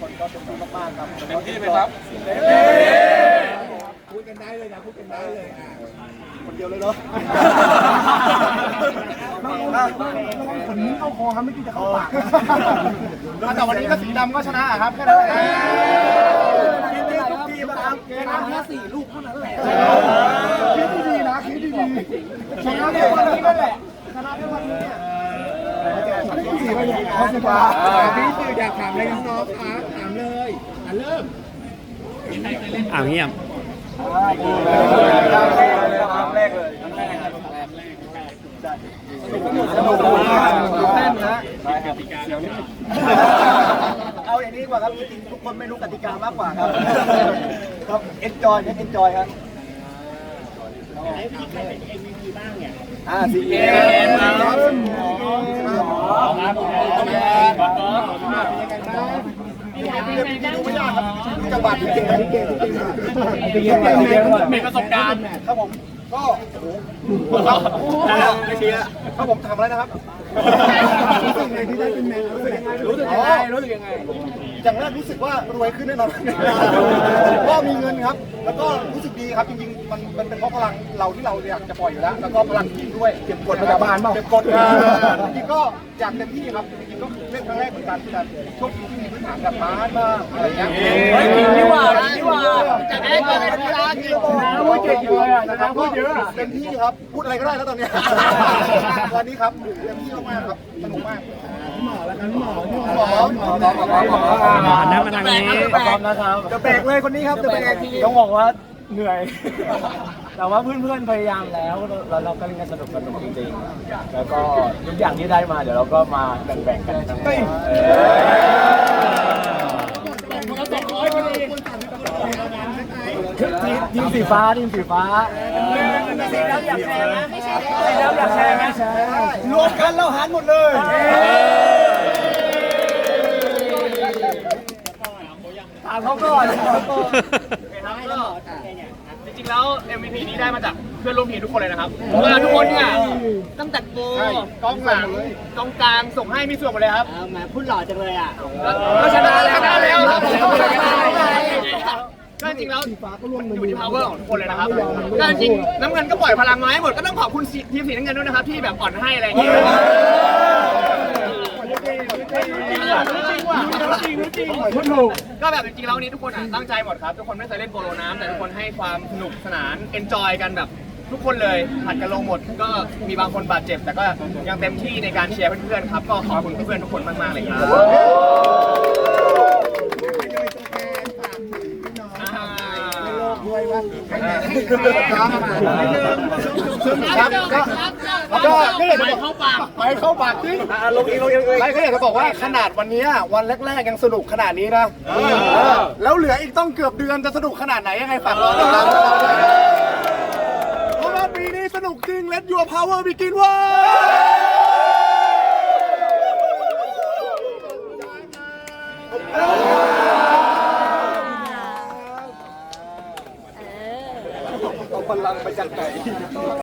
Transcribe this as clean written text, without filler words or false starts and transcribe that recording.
คนก็เต็มที่มากๆครับเต็มที่ไหมครับพูดกันได้เลยนะพูดกันได้เลยคนเดียวเลยเนาะคนนี้เข้าคอครับไม่กินจะเข้าปากแต่วันนี้ก็สีดำก็ชนะครับแค่นั้นเองคิดดีทุกทีมครับแค่4 ลูกเท่านั้นแหละคิดดีๆนะคิดดีๆชนะในวันนี้นั่นแหละชนะในวันนี้เนี่ยพี่สื่ออยากถามอะไรน้องๆครับถามเลยเริ่มเงียบแรกเลยสนุกแน่นนะเอาอย่างนี้ดีกว่าครับจริงๆทุกคนไม่รู้กติกามากกว่าครับครับเอ็นจอยครับมีใครเป็น MVP บ้างเนี่ยซีเกมครับดูไม่ยากครับจังหวะที่เก่งมีประสบการณ์ครับผมก็ไม่เชียร์ครับผมทำอะไรนะครับรู้สึกไงที่ได้เป็นแมนรู้สึกยังไงอย่างแรกรู้สึกว่ารวยขึ้นแน่นอนก็มีเงินครับแล้วก็รู้สึกดีครับจริงๆมันเป็นเพราะพลังเราที่เราอยากจะปล่อยอยู่แล้วแล้วก็พลังทีมด้วยเก็บกดพยาบาลเปล่าเก็บกดจริงๆก็อยากเต็มที่ครับจริงๆก็เล่นครั้งแรกเหมือนกันแต่โชคดีที่มีพื้นฐานแบบบ้านบ้างอะไรเงี้ยนี่ว่าจะได้เกิดเป็นกีฬากี่โมงพูดเก่งเลยนะครับพูดเยอะเต็มที่ครับพูดอะไรก็ได้แล้วตอนนี้วันนี้ครับเต็มที่มากๆครับสนุกมากหมอแล้วกันหมอนั่งมาทางนี้นะครับจะแบกเลยคนนี้ครับจะแบกทีต้องบอกว่าเหนื่อย แต่ว่าเพื่อนๆพยายามแล้วเราก็เล่นกันสนุกจริงๆแล้วก็ทุกอย่างที่ได้มาเดี๋ยวเราก็มาแบ่งๆกันทั้งหมดทีมสีฟ้าแล้วอยากแชร์ไหมไม่ใช่แล้วอยากแชร์ไหมรวมกันแล้วหันหมดเลยถามเขาก่อนจริงๆแล้ว MVP นี้ได้มาจากเพื่อนร่วมทีมทุกคนเลยนะครับเพราะว่าทุกคนเนี่ยตั้งแต่โกกองหลังกองกลางส่งให้มีส่วนหมดเลยครับมาพูดหล่อจังเลยอ่ะก็ชนะแล้วครับก็จริงแล้วอยู่ที่ power ของทุกคนเลยนะครับก็จริงน้ำเงินก็ปล่อยพลังมาให้หมดก็ต้องขอบคุณทีมสีน้ำเงินด้วยนะครับที่แบบอ่อนให้อะไรอย่างเงี้ยก็แบบจริงๆแล้วนี้ทุกคนตั้งใจหมดครับทุกคนไม่เคยเล่นโปโลน้ำแต่ทุกคนให้ความสนุกสนานเอนจอยกันแบบทุกคนเลยผัดกันลงหมดก็มีบางคนบาดเจ็บแต่ก็ยังเต็มที่ในการเชียร์เพื่อนๆครับก็ขอบคุณเพื่อนๆทุกคนมากๆเลยครับด้วยว่าก็ไม่เข้าปากจริงลงเองก็อยากจะบอกว่าขนาดวันนี้วันแรกๆยังสนุกขนาดนี้นะแล้วเหลืออีกต้องเกือบเดือนจะสนุกขนาดไหนยังไงฝากรอติดตามเพราะว่าปีนี้สนุกจริง Let Your Power Begin ว้าเอาพลังไปจากไหน